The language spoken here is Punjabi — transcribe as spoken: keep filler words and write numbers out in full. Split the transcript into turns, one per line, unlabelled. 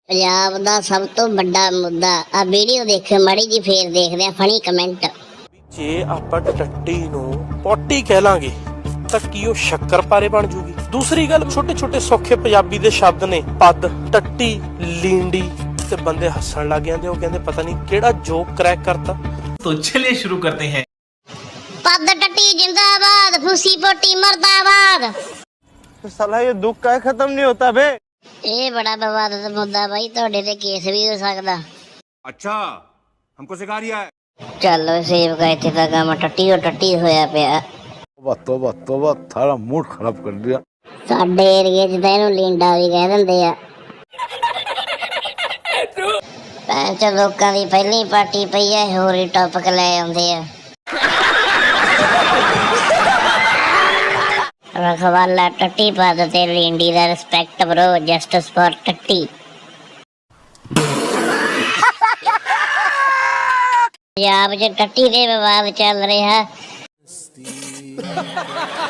ਪੰਜਾਬ ਦਾ ਸਭ ਤੋਂ ਵੱਡਾ ਮੁੱਦਾ ਆ ਵੀਡੀਓ ਦੇਖਿਓ ਮਾੜੀ ਜੀ ਫੇਰ ਦੇਖਦੇ ਆ ਫਨੀ ਕਮੈਂਟ।
ਜੇ ਆਪਾਂ ਟੱਟੀ ਨੂੰ ਪੋਟੀ ਕਹਿ ਲਾਂਗੇ ਤਾਂ ਕੀ ਉਹ ਸ਼ੱਕਰਪਾਰੇ ਬਣ ਜੂਗੀ। ਦੂਸਰੀ ਗੱਲ, ਛੋਟੇ ਛੋਟੇ ਸੌਖੇ ਪੰਜਾਬੀ ਦੇ ਸ਼ਬਦ ਨੇ, ਪੱਦ, ਟੱਟੀ, ਲੀਂਡੀ, ਤੇ ਬੰਦੇ ਹੱਸਣ ਲੱਗ ਜਾਂਦੇ। ਉਹ ਕਹਿੰਦੇ ਪਤਾ ਨਹੀਂ ਕਿਹੜਾ ਜੋਕ ਕਰੈਕ ਕਰਤਾ।
तो चलिए शुरू करते हैं।
ਪੱਦ ਟੱਟੀ ਜਿੰਦਾਬਾਦ, ਫੂਸੀ ਪੋਟੀ ਮਰਦਾਬਾਦ।
ਸਾਲਾ ਇਹ ਦੁੱਖ ਕਾਹ ਖਤਮ ਨਹੀਂ ਹੋਤਾ ਬੇ।
ਇਹ ਬੜਾ ਵਿਵਾਦਤ ਮੁੱਦਾ ਬਾਈ, ਤੁਹਾਡੇ ਤੇ ਕੇਸ ਵੀ ਹੋ ਸਕਦਾ।
अच्छा हमको सिखा रिया है।
ਚੱਲ ਸੇਵਕਾ ਇੱਥੇ ਤਾਂ ਕੰਮ ਟੱਟੀ ਓ ਟੱਟੀ ਹੋਇਆ ਪਿਆ।
तोबा तोबा तोबा थारा मूड खराब कर दिया।
ਸਾਡੇ ਏਰੀਏ 'ਚ ਤਾਂ ਇਹਨੂੰ ਲੀਂਡਾ ਵੀ ਕਹਿ ਦਿੰਦੇ ਆ। ਭੈਣ ਚੋ ਲੋਕਾਂ ਦੀ ਪਹਿਲੀ ਪਾਰਟੀ ਪਈ ਆ, ਹੋਰ ਹੀ ਟੌਪਿਕ ਲੈ ਆਉਂਦੇ ਆ। ਰਖਵਾਲਾ ਟੱਟੀ ਪੱਦ ਤੇ ਲੀਂਡੀ ਦਾ ਰਿਸਪੈਕਟ ਬਰੋ, ਜਸਟਿਸ ਫॉर ਟੱਟੀ। ਪੰਜਾਬ 'ਚ ਟੱਟੀ ਦੇ ਵਿਵਾਦ ਚੱਲ ਰਿਹਾ।